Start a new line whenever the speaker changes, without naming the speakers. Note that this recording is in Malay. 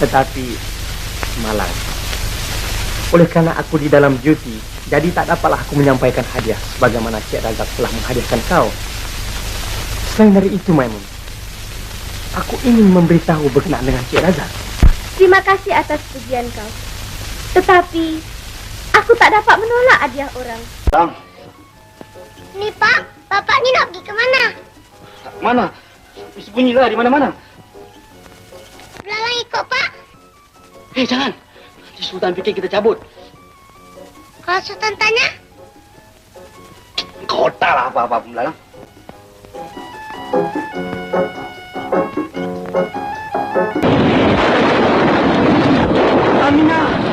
Tetapi malang. Oleh karena aku di dalam duty, jadi tak dapatlah aku menyampaikan hadiah sebagaimana Cik Razak telah menghadiahkan kau. Selain dari itu, Maimun, aku ingin memberitahu berkenaan dengan Cik Razak.
Terima kasih atas pujian kau. Tetapi aku tak dapat menolak hadiah orang.
Bang.
Nih Pak, Bapak ni nak pergi ke mana?
Mana? Sembunyilah di mana-mana.
Belalang ikut Pak.
Jangan. Nanti Sultan fikir kita cabut.
Kalau Sultan tanya?
Kau tak lah apa-apa Belalang. Aminah.